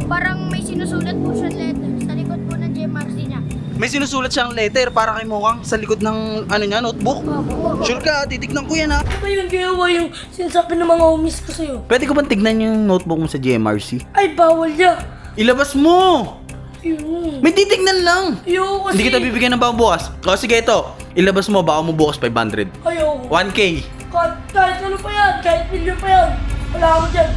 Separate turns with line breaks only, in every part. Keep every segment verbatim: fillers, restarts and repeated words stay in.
parang may sinusulat po siyang letter sa likod po ng G M R C niya.
May sinusulat siyang letter para kay Mukhang sa likod ng ano niya, notebook.
Opo.
Sure ka, titignan ko yan ha.
Ano ba yung ginawa yung sinasabi ng mga homies ko sa'yo?
Pwede ko bang tignan yung notebook mo sa G M R C?
Ay, bawal ya.
Ilabas mo!
Ayun.
May titignan lang!
Ayoko kasi.
Hindi kita bibigyan ng bagong bukas. O sige ito, ilabas mo, baka mo bukas five hundred.
Ayoko.
one K.
Kahit, kahit ano pa yan, kahit milyon pa yan. Wala ako dyan.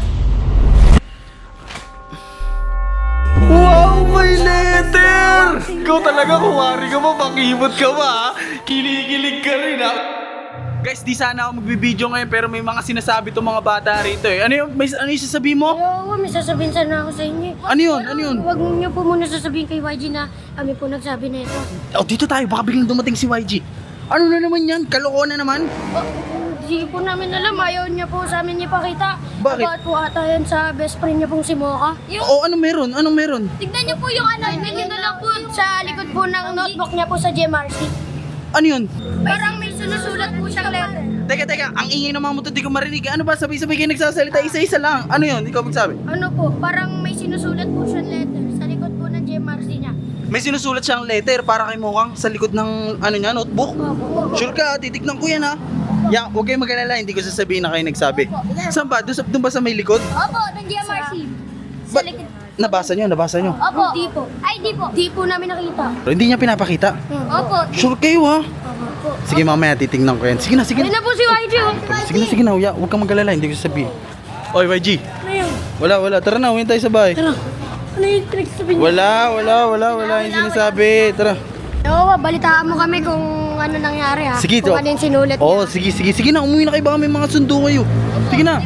Wow, may letter! Ikaw talaga, kuwari ka ba, pakibot ka ba ha? Kinikilig ka rin ha? Guys, di sana ako magbibideo ngayon pero may mga sinasabi tong mga bata rito eh. Ano yung, may, ano yung sasabihin mo?
Ayoko, may sasabihin sana ako sa inyo.
Ano yun? Ano yun?
Huwag niyo po muna sasabihin kay Y G na kami po nagsabi na ito.
Oh, dito tayo, baka biglang dumating si Y G. Ano na naman yan? Kalokohan na naman?
Oh, hindi po namin alam, ayaw niya po sa amin ipakita.
Bakit?
About po ata yan sa best friend niya pong si Mocha. Yung,
Oo, ano meron? Anong meron?
tignan niyo po yung ano, tignan niyo na lang po sa likod po ng notebook niya po sa G M R C.
Ano yun?
Parang may sinusulat po siyang letter.
Teka, teka, ang ingay ng mga motor, di ko marinig. Ano ba? Sabay-sabay kayo nagsasalita, isa-isa lang. Ano yun? Ikaw magsabi.
Ano po, parang may sinusulat po siyang letter sa likod po ng G M R C niya.
May sinusulat siyang letter para kay Mukhang sa likod ng ano niya, notebook.
Opo.
Sure ka, titignan ko yan ha. Ya, huwag kayong mag-alala, hindi ko sasabihin na kayo nagsabi. Saan ba? Doon, sa- doon ba sa may likod?
Opo, ng G M R C. Sa
Ba-
likod.
nabasa nyo, nabasa nyo.
Opo. Di po. Ay, di po. Di po namin nakita.
Pero hindi niya pinapakita.
Opo.
Sure kayo ha.
Opo.
Sige mamaya, titignan ko yan. Sige na, sige
Ayun
na.
na po si Y G. oh.
Sige na, sige na, uya. Huwag kang mag-alala, hindi ko sasabihin. Oy, Y G.
Ano yun?
Wala, wala. Tara na, uwi tayo sa bahay.
Tara. Ano yung pinagsasabi niya?
Wala, wala, wala, wala. Yung sinasabi. Tara.
Oo, balitaan mo kami kung ano nangyari ha.
Sige,
Kung
to.
ano yung sinulat niya.
Oo, sige, sige. Sige na, umuwi na kayo. Baka may mga sundo kayo. Sige na.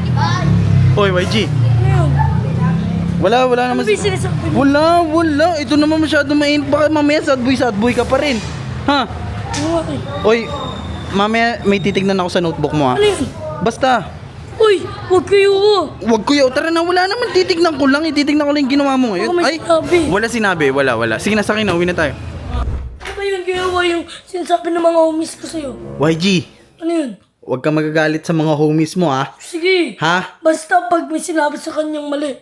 Oy, Y G.
Ano yun?
Wala, wala
Ano
naman.
ba yung sinasabi niya?
Wala, wala. Ito naman masyado mainit. Baka mamaya sad boy, sad boy ka pa rin. Ha?
Ano nga eh?
Oy, mamaya may titignan ako sa notebook mo ha.
Ano yun?
Basta,
Uy, huwag kayo oh.
wag kuya. Tara na, wala naman. Titignan ko lang. Ititignan ko lang yung ginawa mo ngayon.
Baka may
Ay,
sinabi.
wala sinabi. Wala, wala. Sige na, sa akin na. Uwi na tayo.
Ano ba yung ginawa yung sinasabi ng mga homies ko sa'yo?
Y G,
Ano yun?
huwag ka magagalit sa mga homies mo ha.
Sige.
Ha?
Basta pag may sinabi sa kanyang mali.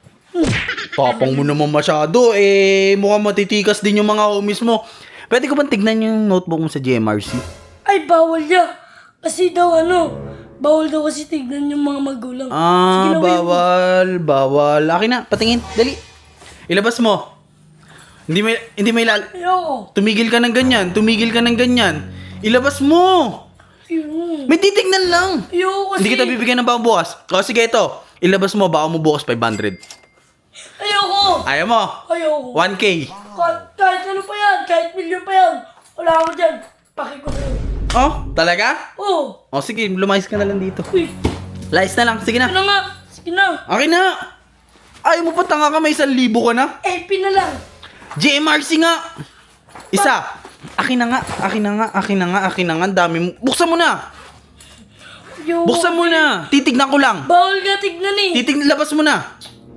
Papang mo naman masyado. Eh, mukhang matitikas din yung mga homies mo. Pwede ko bang tignan yung notebook mo sa G M R C?
Ay, bawal ya. Kasi daw ano, bawal daw kasi tignan yung mga magulang. Sige
Ah,
na, uwi mo.
bawal, bawal. Akin na, patingin. Dali. Ilabas mo. Hindi may, hindi may lal...
Ayoko.
Tumigil ka ng ganyan. Tumigil ka ng ganyan. Ilabas mo.
Ayun.
May titignan lang.
Ayoko kasi.
Hindi kita bibigyan ng bagong bukas. O sige ito. Ilabas mo, baka mo bukas five hundred.
Ayoko.
Ayaw mo.
Ayoko.
one K.
Kahit, kahit ano pa yan, kahit milyon pa yan. Wala ako dyan. Paki ko sa'yo.
Oh, talaga?
Oo.
O sige, lumayas ka na lang dito.
Uy,
Layas na lang. Sige
ano
na.
nga. Sige na.
Akin na. Ayaw mo pa tanga ka, may isang libo ka na.
Eh, pina lang.
G M R C nga. Isa. Akin na nga. Akin na nga. Akin na nga. Akin na nga. Ang dami mo. Buksan mo na.
Ayoko.
Buksan mo na. Titignan ko lang.
Bawal nga tignan eh.
Titignan. Labas mo na.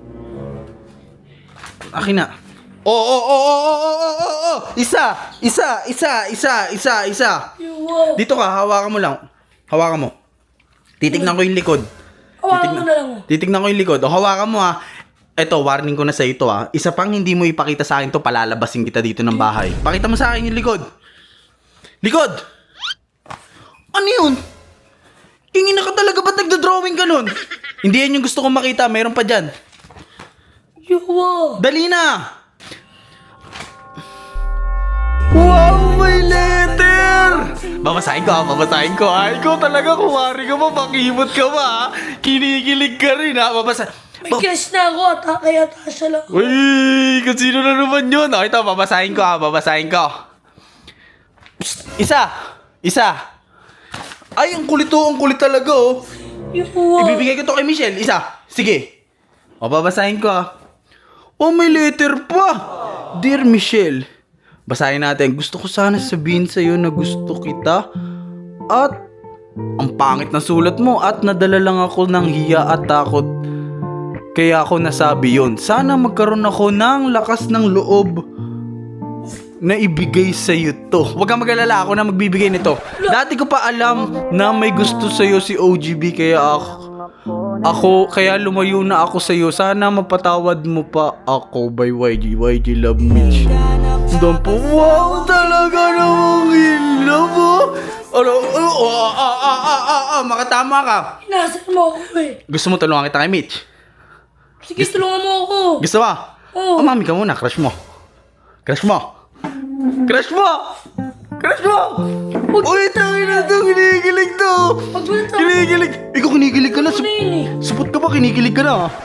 Akin na. Oo, oo, oo, oo, oo, oo, oo. Isa. Isa. Isa. Isa. Isa. Isa.
Ayoko.
Dito ka. Hawakan mo lang. Hawakan mo. Titignan ko yung likod.
Hawakan mo na lang. oh.
Titignan ko yung likod. O, hawakan mo ha. Eto, warning ko na sa ito ha. Isa pang hindi mo ipakita sa akin to, palalabasin kita dito ng bahay. Pakita mo sa akin yung likod. Likod! Ano yun? Kingin na ka talaga, ba't nagdodrawing ka nun? Hindi yan yung gusto kong makita, meron pa dyan.
Ayoko.
Dali na! Wow, may letter! Babasahin ko ha, babasahin ko ha. Ikaw talaga, kuwari ka ba, pakibot ka ba ha? Kinikilig ka rin ha, babasa...
May crush na ako at kaya tasya lang.
Uy, kung sino na naman yun. O, ito, babasahin ko ha, babasahin ko. Psst, isa, isa. Ay, ang kulit to, ang kulit talaga oh.
Ayoko.
Ibibigay ko to kay Michelle, isa. Sige. O, babasahin ko ha. Oh, may letter pa. Dear Michelle, basahin natin. Gusto ko sana sabihin sa'yo na gusto kita. At, ang pangit na sulat mo. At nadala lang ako ng hiya at takot. Kaya ako nasabi yon. Sana magkaroon ako ng lakas ng loob na ibigay sa'yo to. Huwag kang mag-alala, ako na magbibigay nito. Dati ko pa alam na may gusto sa'yo si O G B, kaya ako, Ako, kaya lumayo na ako sa'yo. Sana mapatawad mo pa ako by Y G. Y G Love Mitch. Doon po, wow, talaga namang in love, oh. Ano, oh, oh, ah, ah, ah, ah, ah, ah, makatama ka.
Inaasar mo ako eh.
Gusto mo tulungan kita kay Mitch?
Sige, tulungan mo ako.
Gusto mo?
Oo.
Oh, mami ka muna, crush mo. Crush mo. Crush mo! Crush mo! Uy, tayo na to, kinikilig to.
Pag mo na to.
Kinikilig. Ikaw kinikilig ka na.
Ano yun eh?
Supot ka ba? Kinikilig ka na.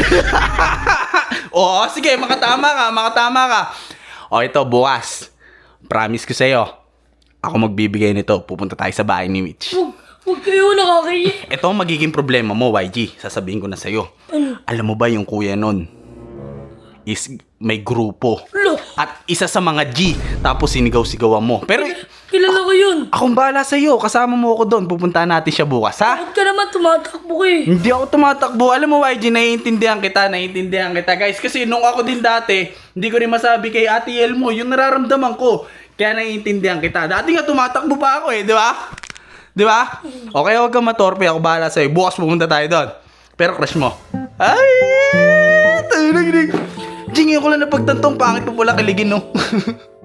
Oo, sige, makatama ka, makatama ka. O, ito, bukas. Promise ko sa'yo. Ako magbibigay nito. Pupunta tayo sa bahay ni Mitch.
Huwag, huwag kayo nakakaya.
Ito ang magiging problema mo, Y G. Sasabihin ko na sa'yo.
Ano?
Alam mo ba yung kuya nun? Is may grupo.
Lo,
At isa sa mga G. Tapos sinigaw-sigawan mo. Pero
kilala ko yun.
akong bahala sa'yo. Kasama mo ako doon. Pupuntahan natin siya bukas, ha?
Bakit ka naman tumatakbo ka eh?
Hindi ako tumatakbo. Alam mo, Y G, naiintindihan kita, naiintindihan kita. Guys, kasi nung ako din dati, hindi ko rin masabi kay Ate El mo, yung nararamdaman ko. Kaya naiintindihan kita. Dati nga tumatakbo pa ako eh, di ba? Di ba? Okay, huwag kang matorpe. Ako bahala sa'yo. Bukas pumunta tayo doon. Pero crush mo. Ay! Tayo na ginig. Jing, yung ko lang napagtantong pangit pa pula kiligin, no?